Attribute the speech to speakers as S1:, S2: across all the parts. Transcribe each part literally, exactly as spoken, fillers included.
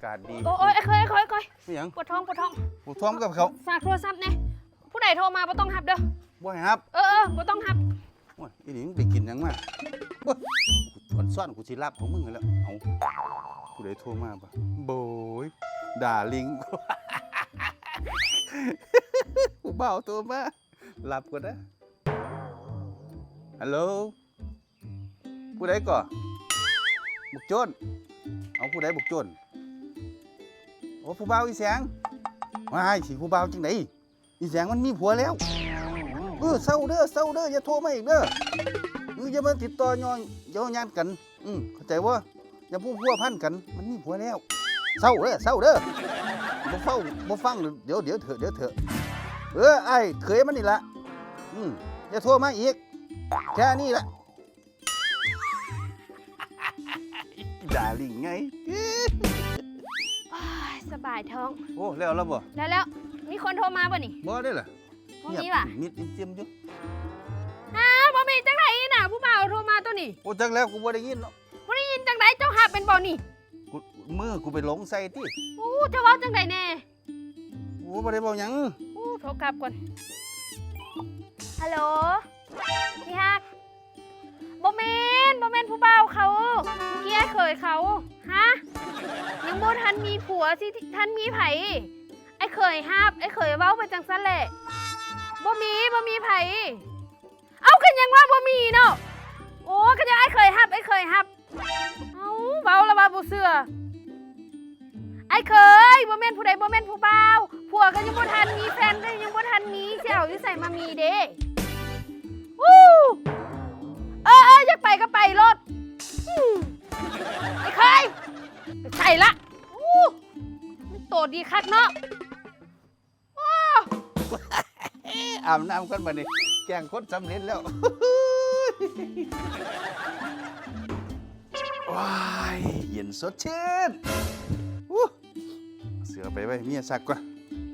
S1: ากาศดี
S2: โอ้ยเคยเคยเคย
S1: ไม่ยัง
S2: ปวดท้องปวดท้อง
S1: ปวดท้องกับเขา
S2: ฝากโทรศัพท์เนี่ยผู้ใดโทรมาบ่ต้องหับเด้อ
S1: บ่ให้ครับ
S2: เออเออบ่ต้องหับ
S1: โอ้ยอีนี่มึงไปกินยังมาโอ้ยกูซ่อนกูสิรับของมึงแล้วเอาผู้ใดโทรมาปะโบยด่าลิงกูเบาตัวมาหลับก่อนนะฮัลโหลผู้ใดก่อบุกโจนเอาผู้ใดบุกโจนโอ้ผู้เบาอีแสงว้ายสิผู้เบาจังไหนอีแสงมันมีผัวแล้วเออเศร้าเด้อเศร้าเด้ออย่าโทรมาอีกเด้อเอออย่ามาติดต่อยอนเย้ายานกันอืมเข้าใจว่าอย่าพูดพัวพันกันมันมีผัวแล้วเศร้าเด้อเศร้าเด้อบ่เฝ้าบ่ฟังเดี๋ยวเดี๋ยวเถอะเดี๋ยวเถอะเออไอ้เคยมันนี่ละอืมอย่าโทรมาอีกแค่นี้ละด่าลิงไง
S2: สบายท้อง
S1: โอ้แล้วแล้วบ่
S2: แล้วแล้วมีคนโทรมาบ่นี่
S1: บ่ได้ล่ะ
S2: บ่มีว่ะ
S1: มิดเจียมอยู่
S2: ฮะบ่มีจังไหนน่ะผู้บ่าวโทรมาตัวนี้
S1: โอ้จักแล้วกูบ่ได้ยินเนาะ
S2: บ่ได้ยินจังไหนเจ้าหับเป็นบ่นี่
S1: กูมือกูไปหลงใส่ติ
S2: โอ้เจ้าเว้าจังไดแน่
S1: โอ้บ่ได้เว้าหยัง
S2: โอ้โทรกลับก่อนฮัลโหลพี่ฮักบ่แม่นบ่แม่นผู้บ่าวเขาเมื่อกี้เคยเขาฮะยังบ่ทันมีผัวสิทันมีไผไอ้เคยฮับไอ้เคยเว้าไปจังซั่นแหละบ่มีบ่มีไผเอ้ากันยังว่าบ่มีเนาะโอ้กันยังไอ้เคยฮับไอ้เคยฮับเอ้าเว้าแล้วว่าบ่เชื่อไอ้เคยบ่แม่นผู้ใดบ่แม่นผู้บ่าวผัวก็ยังบ่ทันมีแฟนก็ยังบ่ทันมีสิเอาอยู่ใส่มามีเด้วู้เออเอออยากไปก็ไปรถไอ้เคยไปใส่ละอู้มันโตดีคักเนาะ
S1: อาบน้ำกันมาดิแกงคนสำเร็จแล้วว้ายเย็นสดชื่นเสือไปไว้เมียซักก่อน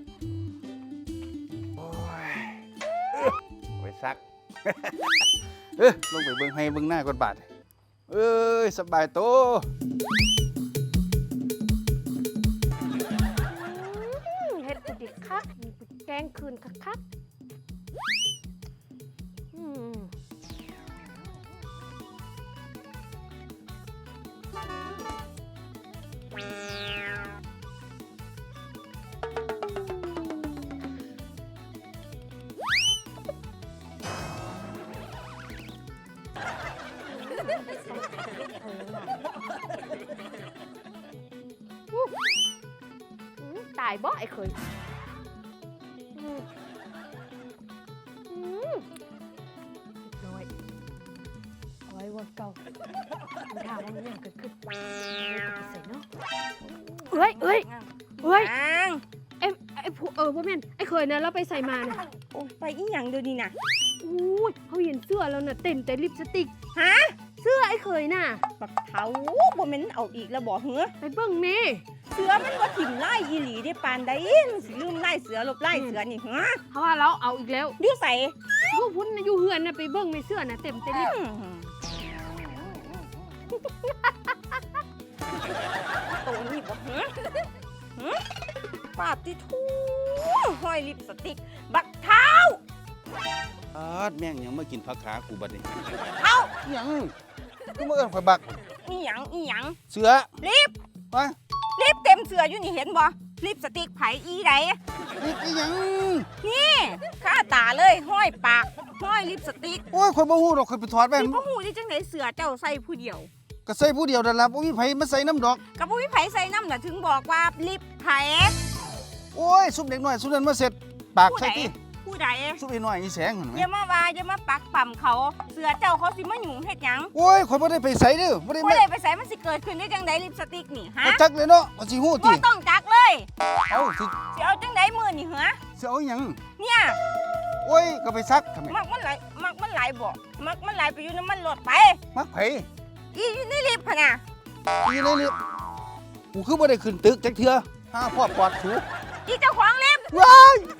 S1: โอ้ยไปซักเออลงไปเบิ่งให้เบิ่งหน้าก่อนบาดเอ้ยสบายโต
S2: เฮ็ดกูดิคักแกงคืนคักอืมตายบ่ไอ้เคยอืมอืมน้อยเอาไว้วันเก่ามันถามว่ามันยังเกิดขึ้นไม่ต้องใส่เนาะเอ้ยเอ้ยเอ้ยไอ้ไอ้ผู้เออพ่อแม่นไอ้เคยนะเราไปใส่มาเนี่ย
S3: โอ้ไปอีหยังเดี๋ยวนี้น่ะ
S2: อู้ยเขาเห็นเสื้อแล้วน่ะเต็มแต่ลิปสติกฮะเสื้อไอ้เคยน่ะ
S3: บักเท้าบ่แม่นเอาอีกแล้วบ่เหรอ
S2: ไปเบิ่งแม่
S3: เสือมันบ่ถิ่มไล่อีหลีได้ปานใดมันสิลืมไล่เสือลบไล่เสือนี่ฮะ
S2: เพราะว่าเราเอาอีกแล้ว
S3: อยู่ใส่
S2: อยู่พุ่นอยู่เฮือนน่ะไปเบิ่งในเสื้อน่ะเต็มแต่ลิป
S3: ตัวนี้บ่เหรอฮะปาดติทูห้อยลิปสติกบักเท้า
S1: อาดแม่งยังมากินผักขากูบัดนี้
S3: เอ้า
S1: ยังกูมาเอิ้นข่อยบัก
S3: อีหยังอีหยัง
S1: เสือ
S3: ลิป
S1: วะ
S3: ลิปเต็มเสืออยู่นี่เห็นบ่ลิปสติกไผอีได
S1: ลิปอีหยัง
S3: นี่ข้าตาเลยห้อยปากห้อยลิปสติก
S1: โอ้ยข่อยบ่ฮู้ดอกข่อยไปถอดแว่น
S3: บ่ฮู้ได้จังได๋เสือเจ้าใส่ผู้เดียว
S1: ก็ใส่ผู้เดียวนั่นล่ะบ่มีไผมาใส่น้ำดอก
S3: ก็บ่มีไผใส่น้ำน่ะถึงบอกว่าลิปไผ
S1: โอ้ยซุปเด็กน้อยซุปนั้นมาเสร็จปากใส่ติ
S3: ผู้ใด
S1: ซุปอีน้อยอีแสงหั่นแหม
S3: อย่ามาว่าอย่ามาปักปั่มเขาเสือเจ้าเขาสิมาหยุ่งเฮ็ดหยัง
S1: โอ้ยข่อยบ่ได้ไปใส่เด้อบ่ได้
S3: บ่ได้ไปใส่มันสิเกิดขึ้นได้จังไดลิปสติกนี่ฮะ
S1: จักเลยเนาะก็สิฮู้ติ
S3: บ่ต้องจักเลย
S1: เอ้าสิ
S3: สิเอาจังไดมื้อนี่เหรอ
S1: สิเอาหยัง
S3: เนี่ย
S1: โอ้ยก็ไปซักทำไม
S3: มักมันไหลมักมันไหลบ่มักมันไหลไปอยู่น้ำมันรถไป
S1: มักไผ
S3: อีอยู่ในลิฟต์หั่นน่ะ
S1: อีในลิฟต์กูคือบ่ได้ขึ้นตึกจักเทื่อหาพ่อปอดสู
S3: อีเจ้าของลิฟต์
S1: ว้าย